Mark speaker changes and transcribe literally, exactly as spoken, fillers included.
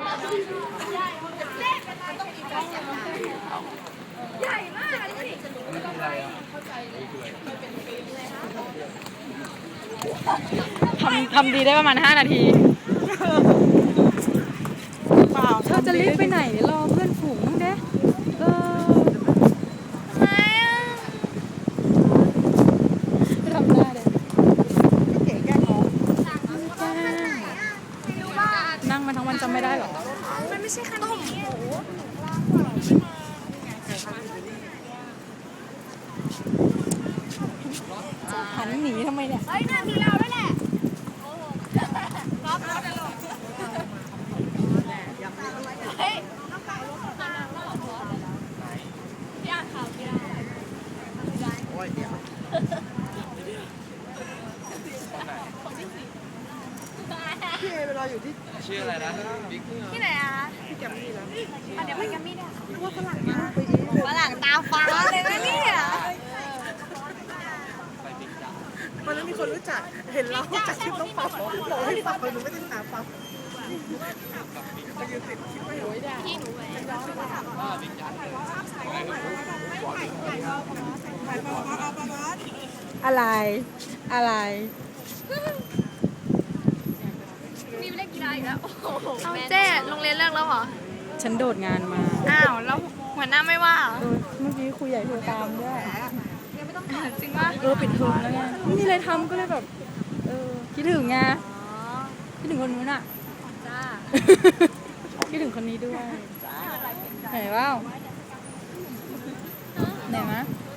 Speaker 1: ใหญ่มากเลย
Speaker 2: ทำทำดีได้ประมาณห้านาทีเปล่าเธอจะรีบไปไหนรอเพื่อนฝูงมั้งเด้เออทำไมอ่ะทำหน้าเด้เก๋แก้ท้องนั่งมาทั้งวันจำไม่ได้หรอมันไม่ใช่คันนี้หันหนีทำไมเนี่ยเฮ้ยน่ามีเราด้วยแหละเฮ้ยพี่อ่านข่าวพี่ได้โอ้ยเดี๋ยวพี่เอเวลาอยู่ที่ชื่ออะไรนะที่ไหนอ่ะที่แกมมี่แล้วเดี๋ยวไปแกมมี่ได้ว่าฝรั่งนะฝรั่งตาฟ้าเลยนะเนี่ย
Speaker 1: วันนั้นมีคนรู้จักเห็นเราจากคลิปน้องปั๊บบอกให้ฟังเลยหนูไม่ได้ตามปั๊บพี่หนู
Speaker 2: อะไรอะไร
Speaker 1: มีเล่นกีฬาอีกแล้วเอาเจ๊โรงเรียนเลิกแล้วเหรอ
Speaker 2: ฉันโดดงานมา
Speaker 1: อ้าวแล้วหัวหน้าไม่ว่า
Speaker 2: เมื่อกี้ครูใหญ่โทรตามด้วย
Speaker 1: จริงป่ะ
Speaker 2: เออปิดเทอมแล้วไงไม่มีอะไรทำก็เลยแบบเออคิดถึงไงคิดถึงคนนู้นอ่ะ
Speaker 1: จ้า
Speaker 2: คิดถึงคนนี้ด้วยไหนว้าวไหนมะ